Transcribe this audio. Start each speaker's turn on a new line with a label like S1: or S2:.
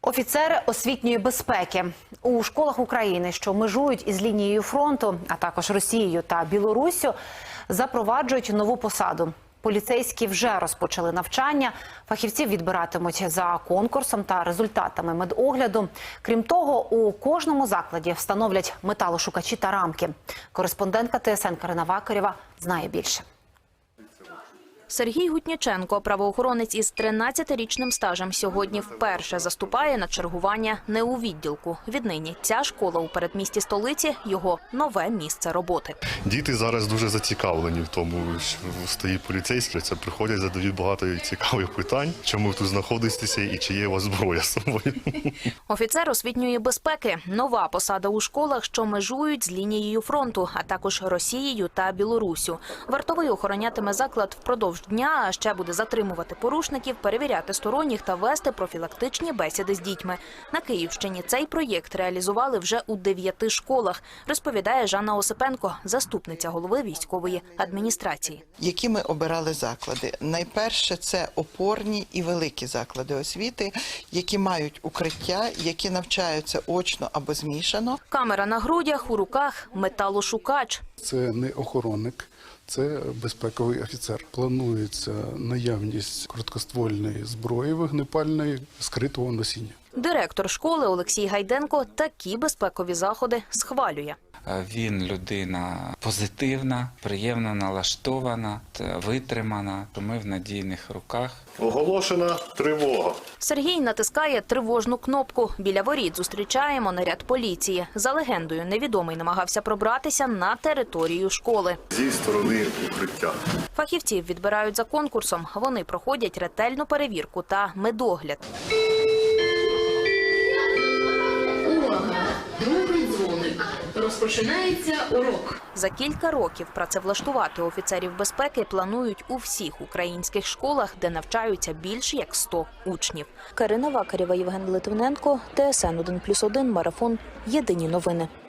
S1: Офіцери освітньої безпеки у школах України, що межують із лінією фронту, а також Росією та Білоруссю, запроваджують нову посаду. Поліцейські вже розпочали навчання. Фахівців відбиратимуть за конкурсом та результатами медогляду. Крім того, у кожному закладі встановлять металошукачі та рамки. Кореспондентка ТСН Карина Вакарєва знає більше.
S2: Сергій Гутніченко, правоохоронець із 13-річним стажем, сьогодні вперше заступає на чергування не у відділку. Віднині ця школа у передмісті столиці – його нове місце роботи.
S3: Діти зараз дуже зацікавлені в тому, що стоїть поліцейський. Це приходять, задають багато цікавих питань, чому ви тут знаходитеся і чи є у вас зброя з собою.
S2: Офіцер освітньої безпеки – нова посада у школах, що межують з лінією фронту, а також Росією та Білоруссю. Вартовий охоронятиме заклад впродовж дня, а ще буде затримувати порушників, перевіряти сторонніх та вести профілактичні бесіди з дітьми. На Київщині цей проєкт реалізували вже у 9 школах, розповідає Жанна Осипенко, заступниця голови військової адміністрації.
S4: Які ми обирали заклади? Найперше – це опорні і великі заклади освіти, які мають укриття, які навчаються очно або змішано.
S2: Камера на грудях, у руках металошукач.
S5: Це не охоронник, це безпековий офіцер. Планується наявність короткоствольної зброї вогнепальної скритого носіння.
S2: Директор школи Олексій Гайденко такі безпекові заходи схвалює.
S6: Він людина позитивна, приємно налаштована, витримана. Ми в надійних руках.
S3: Оголошена тривога.
S2: Сергій натискає тривожну кнопку. Біля воріт зустрічаємо наряд поліції. За легендою, невідомий намагався пробратися на територію школи.
S3: Зі сторони укриття.
S2: Фахівців відбирають за конкурсом. Вони проходять ретельну перевірку та медогляд.
S7: Увага! Другий дзвоник. Розпочинається урок.
S2: За кілька років працевлаштувати офіцерів безпеки планують у всіх українських школах, де навчаються більше як 100 учнів. Карина Вакарєва, Євген Литвиненко, ТСН 1+1, Марафон. Єдині новини.